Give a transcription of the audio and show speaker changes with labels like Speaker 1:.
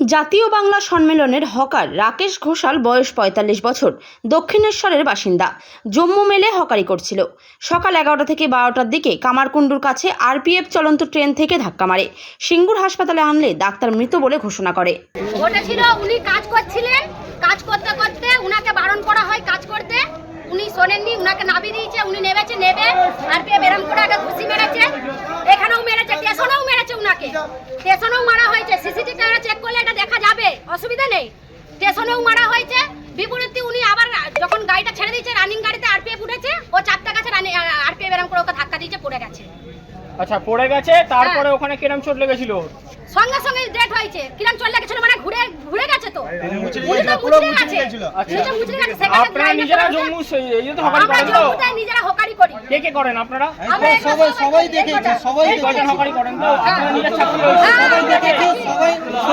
Speaker 1: জাতীয় বাংলা সম্মেলনের হকার রাকেশ ঘোষাল বয়স ৪৫ বছর, দক্ষিণেশ্বরের বাসিন্দা। জম্মু মেলে হকারি করছিল। সকাল ১১টা থেকে ১২টার দিকে কামারকুণ্ডুর কাছে আরপিএফ চলন্ত ট্রেন থেকে ধাক্কা মারে। সিঙ্গুর হাসপাতালে আনলে ডাক্তার মৃত বলে ঘোষণা করে।
Speaker 2: ওটা ছিল উনি কাজ করছিলেন, কাজ করতে করতে উনাকে বারণ করা হয় কাজ করতে, উনি শোনেননি, উনাকে নামিয়ে দিয়েছে, উনি নেবে আরপিএফ এরম করে আগে ঘুষি মেরেছে, এখানেও মেরেছে, স্টেশনেও মেরেছে, উনাকে স্টেশনেও মারা হয়েছে। সিসিটিভি ক্যামেরা চেক করলে এটা দেখা যাবে, অসুবিধা নেই। স্টেশনেও মারা হয়েছে। বিপরীতে উনি আবার যখন গাড়িটা ছেড়ে দিয়েছে, রানিং গাড়িতে আরপিএফ উঠেছে, ও চাপটা গেছে, আরপিএফ এরম করে ওকে ধাক্কা দিয়েছে, পড়ে গেছে।
Speaker 3: আচ্ছা, পড়ে গেছে, তারপরে ওখানে কিরম চোট লেগেছিল?
Speaker 2: সঙ্গে সঙ্গে ডেট হয়েছে। কিরম চলে গেছিল মানে ঘুরে গেছে তো। উনি তো মুচড়ে গেছে।
Speaker 3: আপনারা নিজেরা জম্মু এই তো হকারি করেন তো?
Speaker 2: আমরা নিজেরা হকারি করি।
Speaker 3: কে করেন আপনারা?
Speaker 2: আমরা
Speaker 4: সবাই দেখেছি, সবাই
Speaker 3: হকারি করেন তো? আপনারা নিজের ছাত্র?
Speaker 2: সবাই দেখেছি।